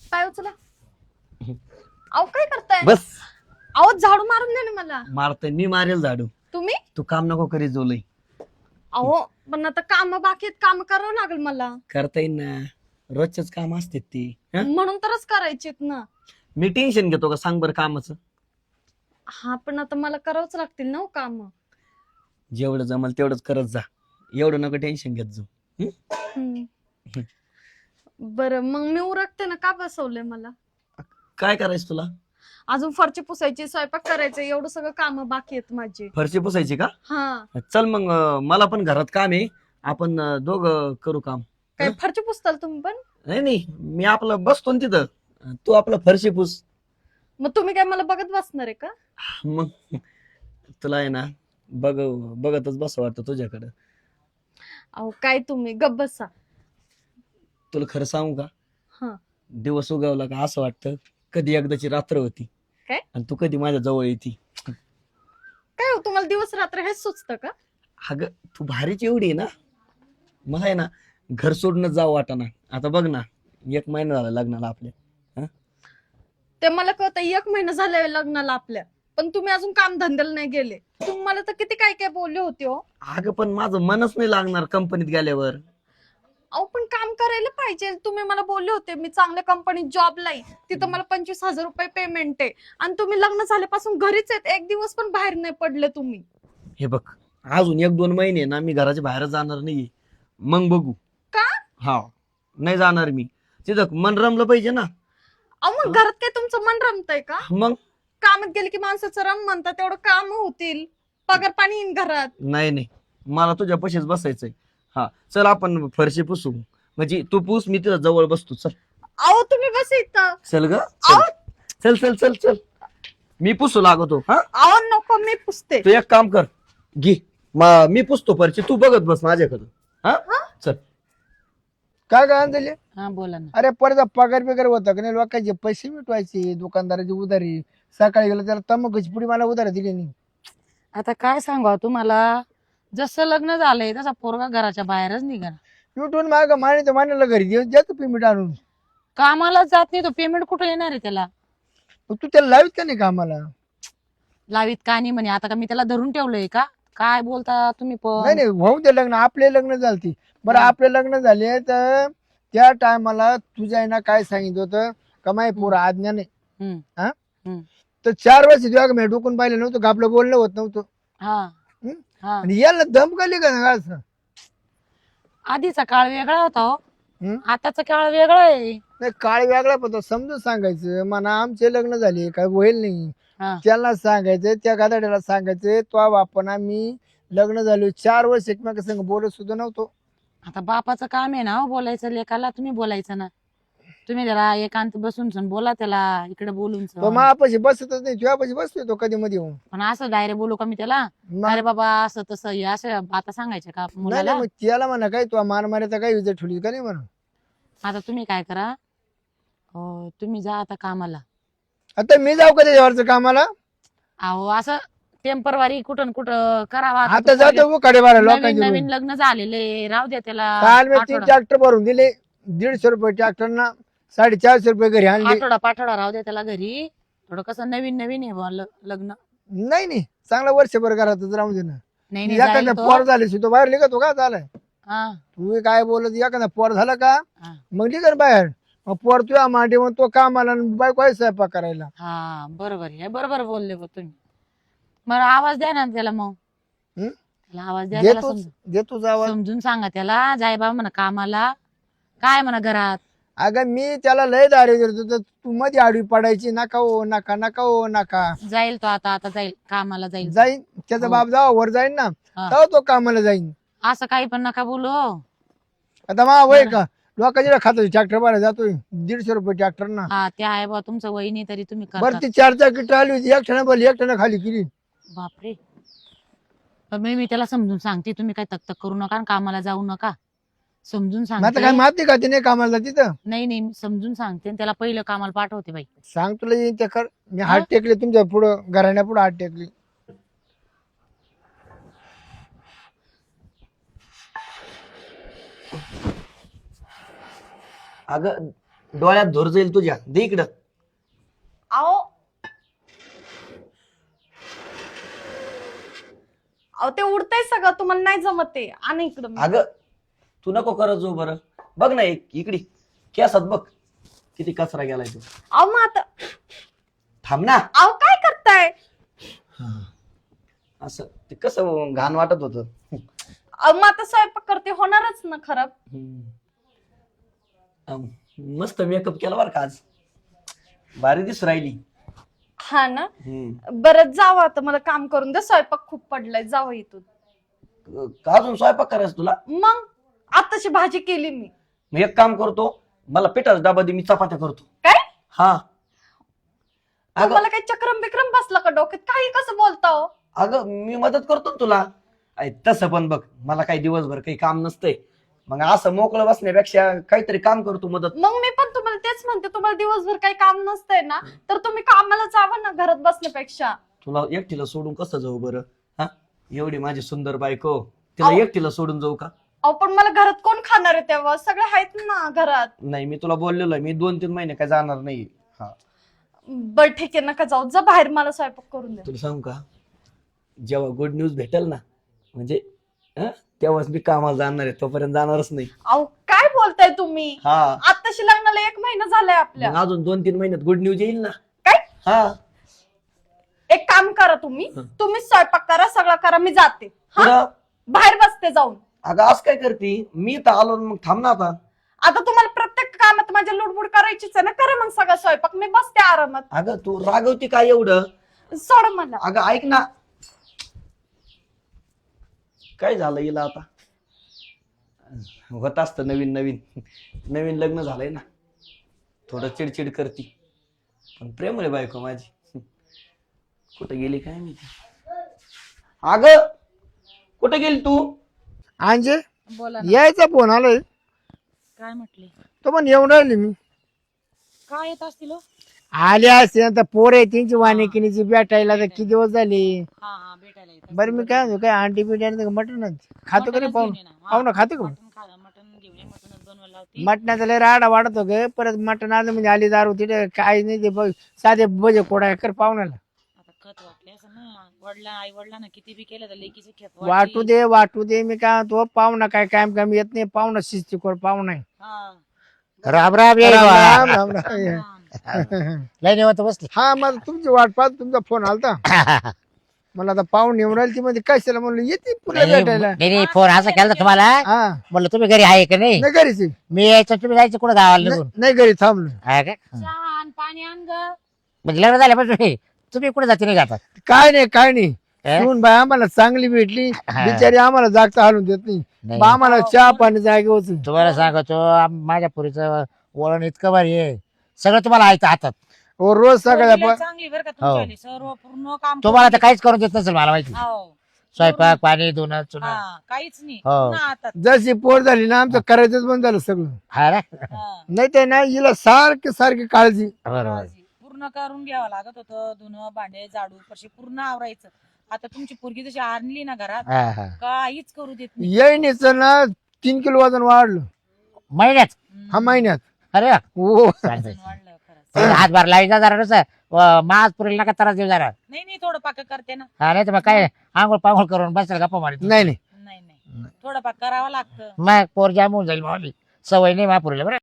पाय उचला. अहो काय करताय? बस अहो झाडू मारून दे ना मला. मारतोय मी, मारेल झाडू. तुम्ही? तू काम नको करीत जोलय. अहो पण आता काम बाकी आहेत, काम करावं लागेल मला. करता येईल ना, रोजच काम असते ती. म्हणून तरच करायचेत ना. मी टेन्शन घेतो का सांग बरं कामाचं? हा पण आता मला करावंच लागतील ना काम. जेवढं जमल तेवढंच करत जा, एवढं नको टेन्शन घेत जाऊ. बरं मग मी उरकते ना, का बसवलंय मला? काय करायचं तुला? अजून फरची पुसायची, स्वयंपाक करायचं, एवढं सगळं काम बाकी आहेत माझे. फरशी पुसायची का? हा. चल मग मला पण घरात काम आहे, आपण दोघं करू काम. काय फरची पुसताल तुम्ही पण? नाही नाही, मी आपलं बसतो ना तिथं, तू आपलं फरशी पुस. मग तुम्ही काय मला बघत बसणार आहे का? मग तुला आहे ना बघतच बस वाटतं तुझ्याकडं. अहो काय तुम्ही गप्प बसा. तुला खरं सांगू का? हा. दिवस उगवला का असं वाटतं कधी एकदाची रात्र होती काय? आणि तू कधी माझ्या जवळ येते. काय हो, तुम्हाला दिवस रात्र हेच सुचतं का? अगं तू भारीच एवढी आहे ना, मला आहे ना घर सोडूनच जावं वाटाना. आता बघ ना, 1 महिना झाला लग्नाला आपल्या. ते मला कळतं, 1 महिना झालाय लग्नाला आपल्या, पण तुम्ही अजून काम धंद्याला नाही गेले. तुम्हाला तर किती काय काय बोलले होते हो. अगं पण माझं मनच नाही लागणार कंपनीत गेल्यावर. अहो पण काम करायला पाहिजे. तुम्ही मला बोलले होते मी चांगल्या कंपनीत जॉबला आहे, तिथं मला 25,000 रुपये पेमेंट आहे, आणि तुम्ही लग्न झाल्यापासून घरीच आहेत, एक दिवस पण बाहेर नाही पडले तुम्ही. हे बघ, अजून 1-2 महिने ना मी घराच्या बाहेर जाणार नाही, मग बघू. का? हा, नाही जाणार मी. तिथं मन रमलं पाहिजे ना. अहो मग घरात काय तुमचं मन रमतंय का? मग कामात गेले की माणसाचं रम म्हणतात, तेवढं काम होतील, पगार पाणी येईन घरात. नाही नाही, मला तुझ्या पशीच बसायचंय. हा चल आपण फरशी पुसू, म्हणजे तू पुस, मी तिथं जवळ बसतो. चल. अहो तुम्ही बस इथं. चल ग, अहो चल चल चल चल, मी पुसू लागतो. हा अहो नको, मी पुसते. तू एक काम कर, घे मी पुसतो फरशी, तू बघत बस माझ्याकडं. हा चल. काय काय आणले? हा बोला ना. अरे परत पगार बिगार होता का नाही, लोकांचे पैसे मिटवायचे, दुकानदाराची उधारी. सकाळी गेलं त्याला तंबाखूची पुडी मला उधारी दिली नाही. आता काय सांगा तुम्हाला, जसं लग्न झालंय तसा पोरगा घराच्या बाहेरच निघा. युटून माग माने मान्याला घरी देऊन जातो पेमेंट आणून. कामाला जात नाही तो, पेमेंट कुठं येणार आहे त्याला? मग तू त्याला लावित का नाही कामाला? लावीत का नाही म्हणे, आता का मी त्याला धरून ठेवलंय का? काय बोलता तुम्ही नाही पण? नाही, होऊ दे लग्न, आपले लग्न झालती. बरं हा. आपले लग्न झाले तर त्या टायमाला तुझ्या आईना काय सांगितलं होतं का माही पोरं आज्ञा नाही. हम्म. हा हम्म. तर 4 वर्ष तुझ्या मी डोकून पाहिलं नव्हतं का, आपलं बोलणं होत नव्हतं. हा. हम्म? हा. आणि याला दम काढली का ना असं? आधीचा काळ वेगळा होता हो, हम्म? आताचा काळ वेगळा आहे. नाही काळ वेगळा पडतो, समजून सांगायचं म्हणा आमचे लग्न झाले काय होईल नाही. हा. त्याला सांगायचं, त्या गादाड्याला सांगायचं, तो बापन आम्ही लग्न झालो 4 वर्ष एकमेका संग बोलत सुद्धा नव्हतो. आता बापाचं काम आहे ना हो बोलायचं लेकाला, तुम्ही बोलायचं ना. तुम्ही जरा एकांत बसून सण बोला त्याला, इकडे बोलून तो सण. मापाशी बसतच नाही, तुझ्यापाशी बसतोय तो कधी मध्ये येऊन. पण असं डायरेक्ट बोलू का मी त्याला? मग- अरे बाबा असं तसं हे असं आता सांगायचं का नाही मुलाला? नाही, मग त्याला म्हणा काय तू मान मारायचा काय विजय ठेवली का नाही म्हणून. आता तुम्ही काय करा, तुम्ही जा आता कामाला. आता मी जाऊ का त्याच्यावरचं कामाला? अहो असं टेम्परवारी कुठं कुठं करावा. आता जातो उखाडे बारा नवीन लोकांचे नवीन रोज. लग्न झालेले, राहू द्या त्याला. काल मी 3 आठवडा ट्रॅक्टर भरून दिले, 150 रुपये ट्रॅक्टरना, 450 रुपये घरी आणले. पाठवडा राहू द्या त्याला घरी. थोडं कसं नवीन नवीन आहे बुवा लग्न. नाही नाही, चांगला वर्षभर घरातच राहू दे ना. नाही नाही जाईल एखादा तो. पोर झाले तो बाहेर निघतो का झालाय? हा, तू काय बोलत, एखादा पोर झाला का हा. मग निघ बाहेर. मग पोर तुझ्या मांडी मग तो कामाला आणि बायको आहे स्वयंपाक करायला. हा बरोबर आहे, बरोबर बोलले बा तुम्ही. मग आवाज द्या ना त्याला, मग हं? त्याला आवाज द्या, त्याला देतोच आवाज. समजून सांगा त्याला, जाय बाबा म्हणा कामाला, काय म्हणा घरात. अगं मी त्याला लय दारे देतो, तर तू मध्ये आडवी पडायची, नका हो नका नका हो नका. जाईल तो आता जाईल कामाला जाईल. जाईन त्याचा हो. बाप जावा वर जाईन ना, हा. तेव्हा तो कामाला जाईन. असं काही पण नका बोलू हो. आता मा वय का लोकांच्या खातो ट्रॅक्टर बाहेर जातोय 150 रुपये ट्रॅक्टर ना. हा ते आहे बा तुमचं वय नाही तरी तुम्ही बरं करता. ती 4 चाकी आली होती, एक ठिकाणी बोल, एक ठिकाणी खाली केली. बापरे. पण मी त्याला समजून सांगते, तुम्ही काय तक करू नका आणि कामाला जाऊ नका. समजून मग आता काय सांगते. माती का ती नाही कामाला तिथं. नाही नाही समजून सांगते आणि त्याला पहिलं कामाला पाठवते बाई. सांग तुला येईन ते कर. मी हात टेकले तुमच्या पुढं, घराण्या पुढे हात टेकली. अगं डोळ्यात धोर जाईल तुझ्या, दे इकडं. अहो अहो ते उडतंय सगळं, तुम्हाला नाही जमत ते. आणि इकडं अगं तू नको करत जाऊ बरं. बघ ना इकडे केसात बघ किती कचरा गेलाय तू. अहो मग आता थांब ना. अहो काय करताय? असं ते कसं घाण वाटत होत. अहो मग आता स्वयंपाक करते, होणारच ना खराब. मस्त मेकअप केला बरं का आज, भारी दिसू राहिली. हा ना. बरं जावं आता, मला काम करून दे, स्वयंपाक खूप पडलाय. जावं इथून. का अजून स्वयंपाक करायचं तुला? मग आताशी भाजी केली मी. मी एक काम करतो, मला पिठाचा डबा दे, मी चपात्या करतो. काय हा. अगं मला काही चक्रम बिक्रम बसला का डोक्यात? काही कसं बोलता हो? अगं मी मदत करतो ना तुला. तसं पण बघ, मला काही दिवसभर काही काम नसतंय, मग असं मोकळं बसण्यापेक्षा काहीतरी काम करतो मदत. मग मी पण तुम्हाला तेच म्हणते, तुम्हाला दिवसभर काही काम नसतंय ना, तर तुम्ही कामाला जावं ना घरात बसण्यापेक्षा. तुला एकटीला सोडून कसं जाऊ बरं? हा, एवढी माझी सुंदर बायको, तिला अहो. एकटीला सोडून जाऊ का? अहो पण मला घरात कोण खाणार आहे तेव्हा? सगळे आहेत ना घरात. नाही, मी तुला बोललेलो आहे, मी 2-3 महिने काय जाणार नाही. हा, बर ठीक आहे, नका जाऊ, जा बाहेर, मला स्वयंपाक करून दे. तुला सांगू का, जेव्हा गुड न्यूज भेटेल ना, म्हणजे तेव्हाच मी कामाला जाणार आहे, तोपर्यंत जाणारच नाही. अहो काय बोलताय तुम्ही? हा, आताशी लग्नाला 1 महिना झालाय आपल्या. मग अजून 2-3 महिन्यात गुड न्यूज येईल ना. काय? हा. एक काम करा, तुम्ही स्वयंपाक करा, सगळं करा, मी जाते. हा, पुढं बाहेर बसते जाऊन. अगं आज काय करते? मी तर आलो ना, मग थांब ना आता. आता तुम्हाला प्रत्येक कामात माझ्या लुडबुड करायचीच आहे ना, करा मग सगळं स्वयंपाक, मी बसते आरामात. अगं तू रागवती काय एवढं? सोड मला. अगं ऐक ना, काय झालं हिला आता? होत असतं नवीन लग्न झालंय ना, थोडं चिडचिड करती, पण प्रेम आहे बायको माझी. कुठे गेली काय माहिती? अगं कुठे गेली तू? अंजे बोला ना. यायचा फोन आलाय, काय म्हटले? तो पण येऊन राहिली मी. काय येत असतील हो? आले असते आता पोर आहे त्यांची वानिकिनीची भेटायला तर किती दिवस झाले. हा हा भेटायला येतात. बरं मी काय म्हणतो, काय आंटी बिटी मटन खातो का नाही? पाहुणं खातो का? मटन घेऊन ये, मटनच बनवायला लावते. मटणाचा लय राडा वाढत गे, परत मटण आलं म्हणजे आली दारू तिथे काय नाही ते बघ, साधे बजे कोडा कर पाहुण्याला. आता खत वाटले असं ना, आई वडिलांना किती बी केलं तर लेकीचे खेत वाटू दे मी काय म्हणतो, पाहुणा काय कायम काम येत नाही, पाहुणा शिस्ती कोड पाहुणा आहे. राम राम ये राम राम राम. लय निवत बसली. हा मला तुमची वाट पाहत तुमचा फोन आलता. मला आता पाहुणे येऊन राहिली, ती मध्ये कशाला म्हणलं येते पुढे भेटायला. नाही फोन असा केला होता तुम्हाला, हा म्हणलं तुम्ही घरी आहे का नाही? नाही घरीच आहे. मी यायचं, तुम्ही जायचं कुठं गावाला निघून? नाही घरी थांबलो. आहे का? चहा आण, पाणी आण ग. म्हणजे लग्न झाल्यापासून तुम्ही कुठे जाते नाही जातात? काय नाही सून बाई आम्हाला चांगली भेटली, बिचारी आम्हाला जागता हालून देत नाही. नाही. बा आम्हाला चहा पाणी जागे होत. तुम्हाला सांगतो, माझ्या पुरीचं वळण इतकं भारी आहे, सगळं तुम्हाला आहे हातात. रोज सकाळी चांगली बरं का तुमची, सर्व पूर्ण काम तुम्हाला तर काहीच करून देत नसेल मला माहिती. हो. स्वयंपाक पाणी धुणं चुणं. हा, काहीच नाही, हो. पूर्ण हातात. जशी पोर झाली ना, आमचं करायचंच बंद झालं सगळं. हा ना? हा. नाही ते ना हिला सारखी काळजी. बरोबर. पूर्ण करून घ्यावं लागत होतं, धुणं भांडे झाडू फरशी पूर्ण आवरायचं. आता तुमची पोरगी जशी आणली ना घरात, हा हा. काहीच करू देत नाही. येईनीच ना 3 किलो वजन वाढलं महिन्यात? हा महिन्यात. अरे वा. हो चालतंय. वाढलं खरंच. हातभार लावायचा जरा नुसतं, मास पुरीला नका त्रास देऊ जरा. नाही थोडं पाक करते ना. हा नाही तर मग काय आंघोळ पांघोळ करून बसेल गप्पा मारित. नाही नाही थोडं पाक करावं लागतं. मग पोर जाम होऊन जाईल मावली, सवय नाही महापुरीला बरं.